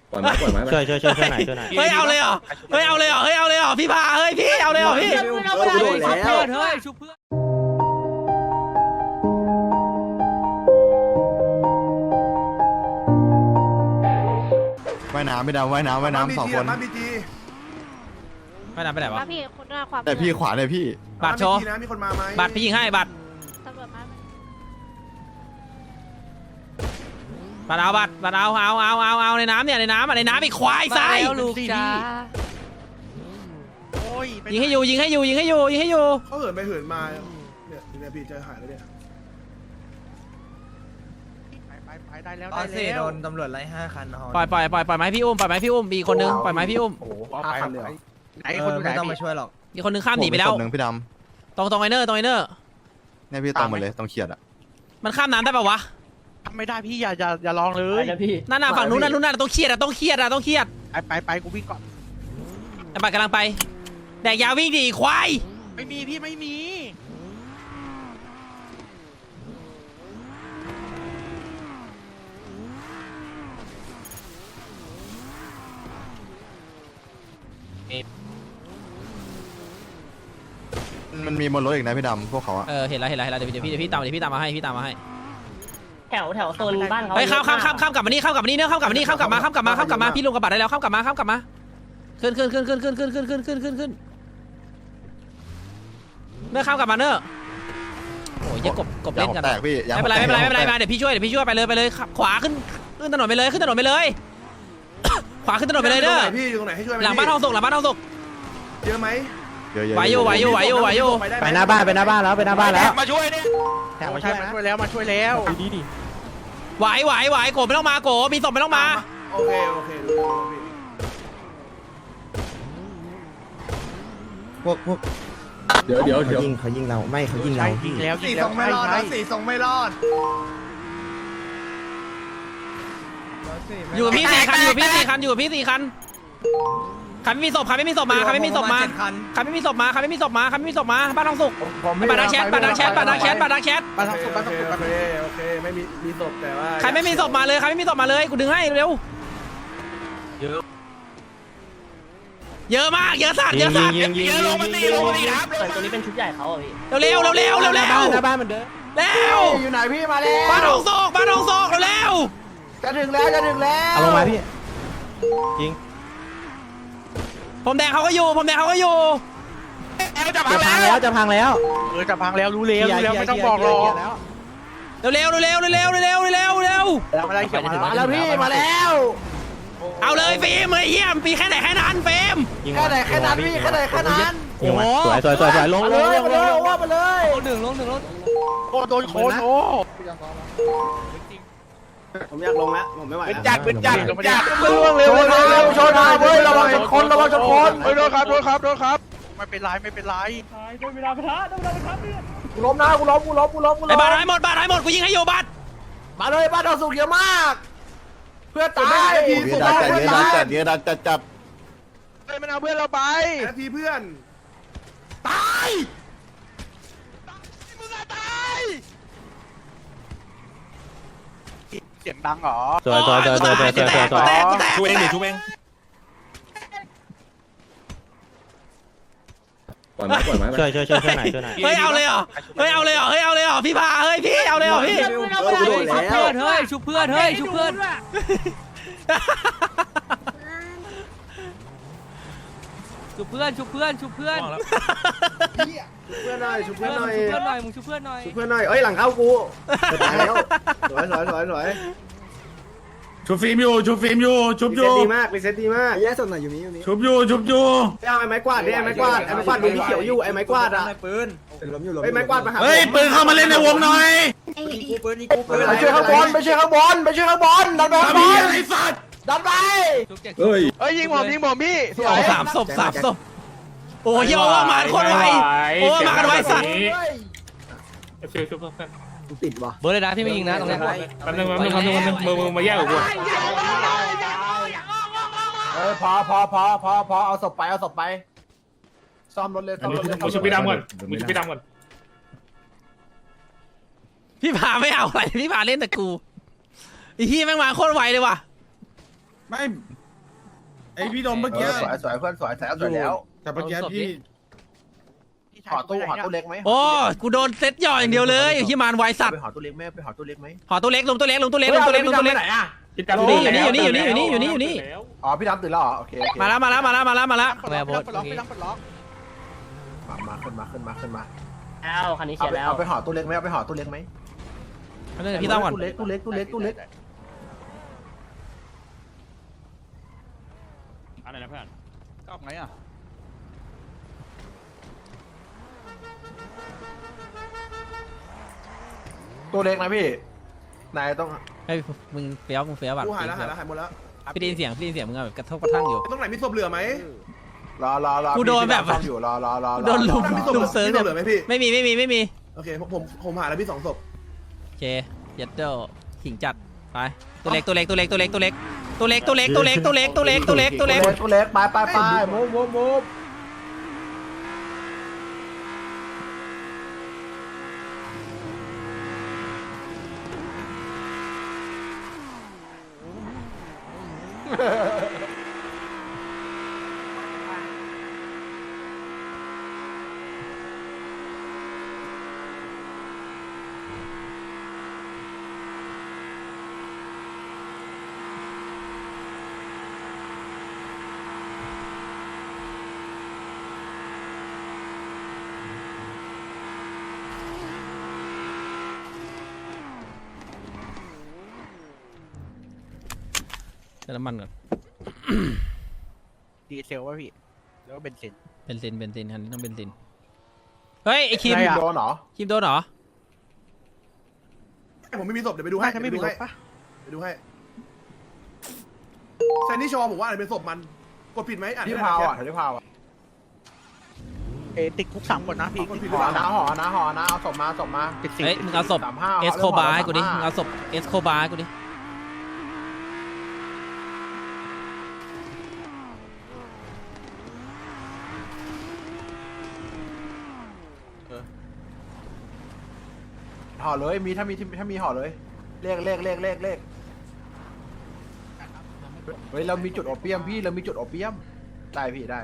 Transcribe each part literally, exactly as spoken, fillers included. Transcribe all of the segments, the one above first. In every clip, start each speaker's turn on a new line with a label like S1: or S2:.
S1: ปล่อยไม้ปล่อยไม้ช่วยช่วยช่วยช่วยไหนช่วยไหนเฮ้ยเอาเลยเหรอเฮ้ยเอาเลยเหรอเฮ้ยเอาเลยเหรอพี่พาเฮ้ยพี่เอาเลยเหรอพี่ชุบเพื่อนเฮ้ยชุบเพื่อน
S2: ว่ายน้ำไม่ดำว่ายน้ำว่ายน้ำสองคน
S1: ไม่นำไปไหนวะ
S3: พี่คนด้วยความ
S2: แต่พี่ขวาเลยพี่
S1: บัตรโชว์บัตรพี่ยิงให้บัตร
S3: ตำรวจมา
S1: บัตรเอาบัตรบัตรเอาเอาเอาเอาเอาในน้ำเนี่ยในน้ำอ่ะในน้ำไอ้ควายทราย
S4: ลูกจ้า
S1: ยิงให้อยู่ยิงให้อยู่ยิงให้อยู่ยิงให้อยู่
S5: เขาเหินไปเหินมาเนี่ยเนี่ยพี่จะหายแล้วเนี่ย
S4: ไปไปได้แล้ว
S6: ตอนสี่โดนตำรวจไล่ห้าคัน
S1: ปล่อยปล่อยปล่อยปล่อยไม้พี่อุ้มปล่อยไม้พี่อุ้มมีคนนึงปล่อยไม้พี่อุ้ม
S5: โอ้โหห้าคันเลย
S4: ไหนคนไหน
S6: ไม่ต้องมาช่วยหรอก
S1: มีคนนึงข้ามหนีไปแล้ว
S2: หนึ่งพี่ด
S1: ำตรงตรงไอเนอร์ตรงไอเนอร์
S2: เนี่ยพี่ตรงหมดเลยตรงเขียดอ่ะ
S1: มันข้ามน้ำได้ป่าวะ
S4: ไม่ได้พี่อย่าอย่าอย่าลองเลย
S1: นั่นน่ะฝั่งนู้นนั่นนู้นน่ะต้องเครียดอ่ะต้องเครียดอ่ะต้องเครียด
S4: ไปไปไปกูวิ่งก่อน
S1: ไอ้บัตรกำลังไปแดกยาวิ่งดิควาย
S4: ไม่มีพี่ไม่มี
S2: มันมีบนรถอีกนะพี่ดำพวกเขาอะ
S1: เออเห็นแล้วเห็นแล้วเห็นแล้วเดี๋ยวพี่เดี๋ยวพี่ตามเดี๋ยวพี่ตามมาให้พี่ตามมาให้
S7: แถวแถวโซนบ้านเขา
S1: เฮ้ยข้ามข้ามข้ามข้ามกลับมานี่ข้ามกลับมานี่เนื้อข้ามกลับมานี่ข้ามกลับมาข้ามกลับมาข้ามกลับมาพี่ลงกระบะได้แล้วข้ามกลับมาข้ามกลับมาขึ้นขึ้นขึ้นขึ้นขึ้นขึ้นขึ้นขึ้นขึ้นขึ้นขึ้นเนื้อข้ามกลับมาเนื้อโอ้ยยังกบกบเล่นกันไม่เป็นไรไม่เป็นไรไม่เป็นไรมาเดี๋ยวพี่ช่วยเดี๋ยวพี่ช่วยไปเลยไปเลยขวาขึ้นขึ้นถนนไปเลยขึ้นถนนไปเลยขวาขึ้นถนนไปเลยเด้อ
S5: พี่ตรงไหนให้ช่วย
S1: หลังบ้านทองสุกหลังบ้านทองสุก
S5: เยอะไหม
S2: เยอะๆ
S1: ไหวอยู่ไหวอยู่ไหวอยู่ไหวอยู่
S6: ไปหน้าบ้านไปหน้าบ้านแล้วไปหน้าบ้านแล้ว
S4: มาช่วยเนี่ยแถวมาช่วยมาช่วยแล้วมาช่วยแล้ว
S1: ดีดีไหวไหวไหวโกไม่ต้องมาโกมีศพไม่ต้องมา
S5: โอเคโอเค
S6: พวกพวก
S1: เดี๋ยวเดี๋ยว
S6: เขายิงเขายิงเราไม่เขายิงเรา
S4: ยิงแล้ว
S5: สี่ส่งไม่รอดนะสี่ส่งไม่รอด
S1: อยู่กับพี่สี่คันอยู่กับพี่สี่คันอยู่กับพี่สี่คันคันไม่มีศพคันไม่มีศพมาคันไม่มีศพมาคันไม่มีศพมาคันไม่มีศพมาคันไม่มีศพมาบ้านทองสุกบัตรดักแชทบัตรดักแชทบัตรดักแชทบัตรดักแชท
S4: บ้านทองสุกบ้านทองสุกโอเค
S5: โอเคไม่มีมีศพแต่ว่า
S1: ใครไม่มีศพมาเลยใครไม่มีศพมาเลยกูดึงให้เร็วเยอะเยอะมากเยอะสัตว์เยอะสัตว์
S4: เยอะลงมาตีลงมาตีครับ
S7: ตัวนี้เป็นชุดใหญ่เขาอ่ะพี่
S1: เร็วเร็วเร็วเร็วเร็วเร็ว
S6: หน้าบ้านมันเด้อ
S1: เร็ว
S5: อยู่ไหนพี่มาแล้ว
S1: บ้านทองสุกบ้านทองสุกเร็ว
S5: จะถึงแล้วจะถึงแล้ว
S6: เอาลงมาพี่
S1: จริงผมแดงเขาก็อยู่ผมแดงเขาก็อยู่
S6: จะพังแล้วจะพังแล้ว
S4: เออจะพังแล้วรู้แล้วรู้แล้วไม่ต้องบอกหรอก
S1: เร็วเร็วเร็วเร็วเร็วเร็วเร็วเร็ว
S4: แล้วมาได้เขียวมา
S5: แล้วพี่มาแล้ว
S1: เอาเลยฟิล์มเลยเยี่ยมปีแค่ไหนแค่นั้นฟิล์ม
S5: แค่ไหนแค่นั้นพี่แค่ไหนแค่นั้น
S1: โอ้โห
S6: สวยสวยสวยสวยลงลงลงลง
S5: ว่าไปเลย
S1: ลงหนึ่งลงหนึ่งลง
S4: โอ้โดนโคนโอ้
S5: ผมอยากลงแล้วผมไม่ไหว
S4: เป็นจัดเป็นจัดเป็นจัด
S5: เร็วเร็วเร็วเร็วชนมาเว้ยระวังชนคนระวังชนคน
S4: เฮ้ยโดนครับโดนครับโดนครับไม่เป็นไรไม่เป็นไร
S5: โดนเวลาประทะโดนเวลาประทะเนี่ยกูล้มนะกูล้มกูล้มกูล้มกูล้ม
S1: ไอ้บาดหายหมดบาดหายหมดกูยิงให้อยู่บาด
S5: มาเลยบ้านเราสุกเยอะมากเพื่อตาย
S2: เยอะจัดเยอะจัดเยอะจัดจัด
S4: เฮ้ยมันเอาเพื่อนเราไป
S5: นาทีเพื่อนตาย
S4: มึงอะตายเสียงดังเหรอ
S1: สวยสวยสวยสวยสวยสวยสวย
S4: ช่วยเองดิช่วยเอง
S1: ปล่อยไม้ปล่อยไม้ช่วยช่วยช่วยช่วยไหนช่วยไหนเฮ้ยเอาเลยเหรอเฮ้ยเอาเลยเหรอเฮ้ยเอาเลยเหรอพี่พาเฮ้ยพี่เอาเลยเหรอพี่ชุบเพื่อนเฮ้ยชุบเพื่อนเฮ้ยชุบเพื่อนชุบเพื่อนชุบเพื่อนชุบเพื่อน
S5: ชุบเพื่อนหน่อยชุบเพื่อนหน่อย
S1: ชุบเพื่อนหน่อยมึงชุบเพื่อนหน่อย
S5: ชุบเพื่อนหน่อยเอ้ยหลังเข้ากูตายแล้วสวยสวยสวยสวย
S8: ชุบฟิล์มอยู่ชุบฟิล์มอยู่ชุบอยู่
S5: ดีมากเป็นเซตดีมาก
S6: แย่สุดหน่อยอยู่นี้อยู่นี้
S8: ชุบอยู่ชุบอยู่
S5: เอาไอ้ไม้กวาดดิไอ้ไม้กวาดไอ้ไม้กวาดดูพี่เขียวอยู่ไอ้ไม้กวาดอ่ะ
S6: ปืนล้มอยู่ล้ม
S5: ไอ้ไม้กวาดมาหา
S8: เฮ้ยปืนเข้ามาเล่นในวงหน่อย
S6: กูปืนนี่กูปืน
S5: ไปช่วยข้างบนไปช่วยข้างบนไปช่วยข้างบนดันไปข้างบน
S8: ไอ้สัตว์
S5: ดันไป
S8: เฮ้ย
S4: เฮ้ยยิงผมยิงผมพี่
S1: สวยสามศพสามศพโอ้ยเยอะมากคนไวโอ้มากันไวสัตว์
S8: ฟิลชุบเพื่อน
S6: ติดว่ะ
S1: เบอร์เลยนะพี่ไม่ยิงนะตรงนี้
S8: แป๊บนึงแป๊บนึงแป๊บนึงแป๊บนึงมือมือมาแยกกับกู
S5: เออพอพอพอพอพอเอาศพไปเอาศพไปซ่อมรถเลยซ่อมรถเลย
S8: มึงชุบพี่ดำก่อนมึงชุบพี่ดำก่อน
S1: พี่พาไม่เอาอะไรพี่พาเล่นแต่กูไอ้ที่แม่งมาโคตรไวเลยว่ะ
S8: ไม่ไอพี่ดมเมื่อ
S5: เอ
S8: กี้
S5: อสวยสวยเพื่อนสวยสวยสวยแล้ว
S8: แต่เมื่อกี้พี่
S5: หอตู้หอตู้เล็กไหม
S1: โอ้กูโดนเซตย่ออย่างเดียวเลยที่มานไวสัตว์
S5: ไปหอตู้เล็กไหมไปหอตู้เล็กไหม
S1: หอตัวเล็กลงตัวเล็กลงตัวเล็กลงตัวเล็กลงตัวเล็ก
S5: ไหนอ่ะ
S1: อยู่นี่อยู่นี่อยู่นี่อยู่นี่อยู่นี่อยู่นี่อยู่นี่
S5: อ๋อพี่ดำตื่นแล้วเหรอโอเคโอเค
S1: มาแล้วมาแล้วมาแล้วมาแล้วมาแล้ว
S4: แวร์โบสปลดล็อกไปล็อกปลดล็อก
S5: มามาขึ้นมาขึ้นมาขึ้นมา
S7: แล้วคันนี้
S5: เอา
S7: เสีย
S5: ไป
S7: แล้ว
S5: เอาไปหอตู้เล็กไหมเอาไปหอตู้เล็กไหม
S1: เดี๋ยวพี่ต้องก่อน
S5: ตู้เล็กตู้เล็กตู้เล็กตู้เล็ก
S4: อะไรนะเพื่อนก็ไงอ่ะ
S5: ตู้เล็กนะพี่นายต้อง
S1: เฮ้ยมึงเฟี้ยวมึงเฟี้ยวบัตร
S8: กูหายแล้วหายแล้วหายหมดแล้ว
S1: พี่ได้ยินเสียงพี่ได้ยินเสียงมึงแบบกระทบกระทั่งอยู่
S8: ตรงไหนมีศพเหลือไหม
S5: รอรอรอ
S1: กูโดนแบบ
S5: ซ่อมอยู่รอรอรอ
S1: โดนลุม
S8: มีศพ
S1: ลุมเซิร์ฟ
S8: มีศพเหลือไหมพี่
S1: ไม่มีไม่มีไม่มี
S8: โอเคผมผมผมหายแล้วพี่สองศพ
S1: โอเคยัดเดลขิงจัดไปตัวเล็กตัวเล็กตัวเล็กตัวเล็กตัวเล็กตัวเล็กตัวเล็กตัวเล็กตัวเล็กตัวเล็กตัวเล็กตัวเล็ก
S5: ตู้เล็กไปไปไปมูฟมูฟมูฟ
S1: เติมน้ำมันก่อน
S4: ดีเซลวะพี่แล้วก็เบนซิน
S1: เบนซินเบนซินคันนี้ต้องเบนซินเฮ้ยไอคิม
S5: โดนเหรอ
S1: คิมโดนเหรอ
S8: ผมไม่มีศพเดี๋ยวไปดูให้
S4: ถ้าไม่มีรถปะ
S8: ไปดูให้แซนนี่ชอผมว่าอะไรเป็นศพมันกดผิดไหมอ่าน
S5: ที่
S8: ไม่ได้
S5: พาว
S8: แค
S5: อ่ะ
S8: ป
S5: ที่พาวอ่ะ
S4: เอติดคุกสามคนนะพี่
S5: หอนะหอนะหอนะเอาศพมาศพมา
S4: ติดสี่
S1: เฮ้ยมึงเอาศพ
S5: สามห้า
S1: เอสโคบาร์ให้กูดิมึงเอาศพเอสโคบาร์ให้กูดิ
S5: ห่อเลยมีถ้ามีถ้ามีห่อเลยเลขเลขเลขเลขเลขเฮ้ยเรามีจุดโอเปียมพี่เรามีจุดโอเปียมได้พี่ได้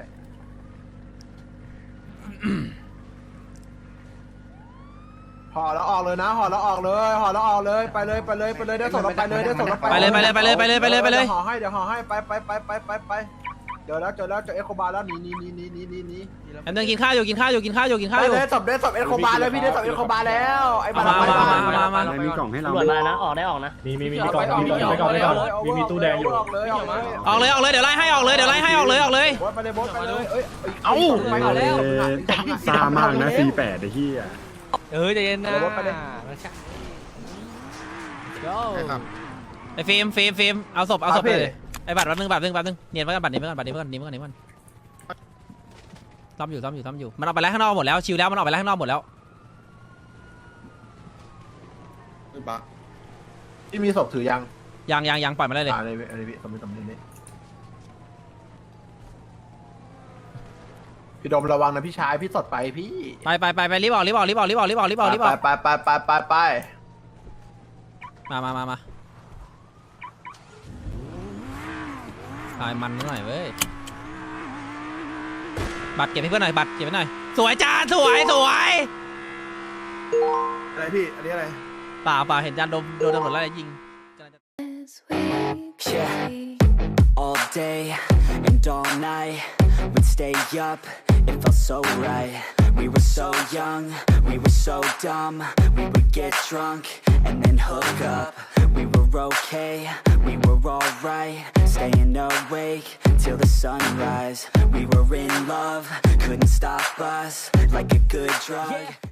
S5: ห่อแล้วออกเลยนะห่อแล้วออกเลยห่อแล้วออกเลยไปเลยไปเลยไปเลยได้ส่งเราไปเลยได้ส่งเราไป
S1: ไปเลยไปเลยไปเลยไปเลยไปเลยไปเลย
S5: ดี๋วห่อให้เดี๋ยวห่อให้ไปไปไปไปไปไปเดี๋ยวแล้วเจอแล้วเจอเอ็กโคบาร์แล้วหนีหนีหนีหนีหนีหนีหนี
S1: แอมเดินกินข้าวอยู่กินข้าวอยู่กินข้าวอยู่กินข้าว
S5: ได้
S1: อยู่
S5: เลยศพได้ศพเอ็กโคบาร์แล้วพี่ได้ศพเอ็กโคบาร์แล้วไอ้บ้า
S1: เอามามามามามา
S6: มีกล่องให้เรา
S7: ตำรวจมานะออกได้ออกนะ
S6: มีมีมีกล่องมีกล่องมีกล่องมีกล่องมีมีตู้แดงอยู่
S5: ออกเลยออกเลย
S1: ออกเลยออกเลยเดี๋ยวไล่ให้ออกเลยเดี๋ยวไล่ให้ออกเลยออกเลย
S5: บอสไปเลยบอสไปเลยเอ้ย
S6: เอ้า
S5: ไปก่อนแล้ว
S6: ซามากนะสี่แปดไอ้ที่อ่ะ
S1: เออใจเย็นนะ
S5: บอสไปเลย
S1: ไอ้ฟิล์มฟิล์มฟิล์มเอาศพเอาศพไปเลยไอ้บัตรแป๊บนึงบัตรนึงบัตรนึงเนียนไว้กันบัตรนี้ไว้กันบัตรนี้ไว้กันนี้ไว้กันนี้ไว้กันซ้อมอยู่ซ้อมอยู่ซ้อมอยู่มันออกไปแล้วข้างนอกหมดแล้วชิลแล้วมันออกไปแล้วข้างนอกหมดแล้ว
S5: ที่มีศพถือยัง
S1: ยังยังยังปล่อยมาได้เลย
S5: อ่าในในสมมติสมมตินี้พี่ดมระวังนะพี่ชายพี่สดไปพี่
S1: ไปไปไปไปรีบออกรีบออกรีบออกรีบออกรีบออกรีบออกรีบออก
S5: ไปไปไปไปไป
S1: มามามามาตายมันหน่อยเว้ยบัตรเก็บให้เพื่อนหน่อยบัตรเก็บไว้หน่อยสวยจ้าสวยสวย
S8: อะไรพี่อันนี้อะไร
S1: เปล่าเปล่าเห็นจานโดนโดนตำรวจไล่ยิง
S3: Yeah, all day and all night, we'd stay up, it felt so right. We were so young, we were so dumb, we would get drunk and then hook up. We were okay, we were alright, staying awake till the sunrise. We were in love, couldn't stop us, like a good drug.